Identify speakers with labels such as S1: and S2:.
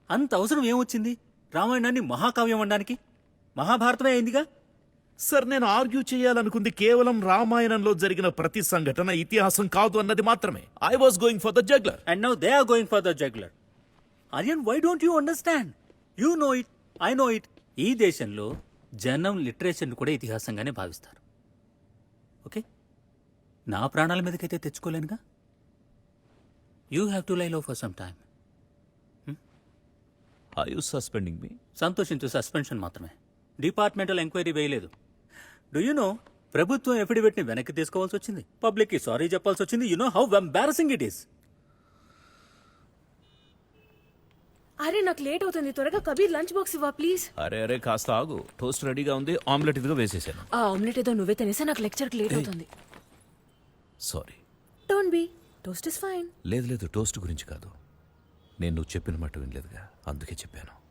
S1: అంత అవసరం ఏమొచ్చింది రామాయణాన్ని మహాకావ్యం అనడానికి? మహాభారతమే అయిందిగా.
S2: సార్, నేను ఆర్గ్యూ చేయాలనుకుంది కేవలం రామాయణంలో జరిగిన ప్రతి సంఘటన ఇతిహాసం కాదు అన్నది మాత్రమే. I was going for the juggler.
S1: And now they are going for the juggler. Aryan, why don't you understand? You know it, I know it. ఈ దేశంలో జనం లిటరేచర్ని కూడా ఇతిహాసంగానే భావిస్తారు. ఓకే, నా ప్రాణాల మీదకైతే తెచ్చుకోలేనుగా. You have to lie low for some time.
S2: Are you suspending me?
S1: సంతోషించు, సస్పెన్షన్ మాత్రమే. డిపార్ట్మెంటల్ ఎంక్వైరీ వేయలేదు. డూ యూ నో, ప్రభుత్వం ఎఫిడవిట్ ని వెనక్కి తీసుకోవాల్సి వచ్చింది, పబ్లిక్ కి సారీ చెప్పాల్సి వచ్చింది. You know how embarrassing it is.
S3: అరే నాకు లేట్ అవుతుంది, త్వరగా కబీర్ లంచ్ బాక్స్ ఇవ్వ ప్లీజ్.
S2: అరే అరే, కాస్త ఆగు. టోస్ట్ రెడీగా ఉంది, ఆమ్లెట్ ఇదిగా వేసేసాను.
S3: ఆ ఆమ్లెట్ ఏదో నువ్వే తినేసా, నాకు లెక్చర్కి లేట్ అవుతుంది.
S2: Sorry.
S3: Don't be, toast is fine.
S2: లేదు లేదు, టోస్ట్ గురించి కాదు. నేను నువ్వు చెప్పిన మాట వినలేదుగా, అందుకే చెప్పాను.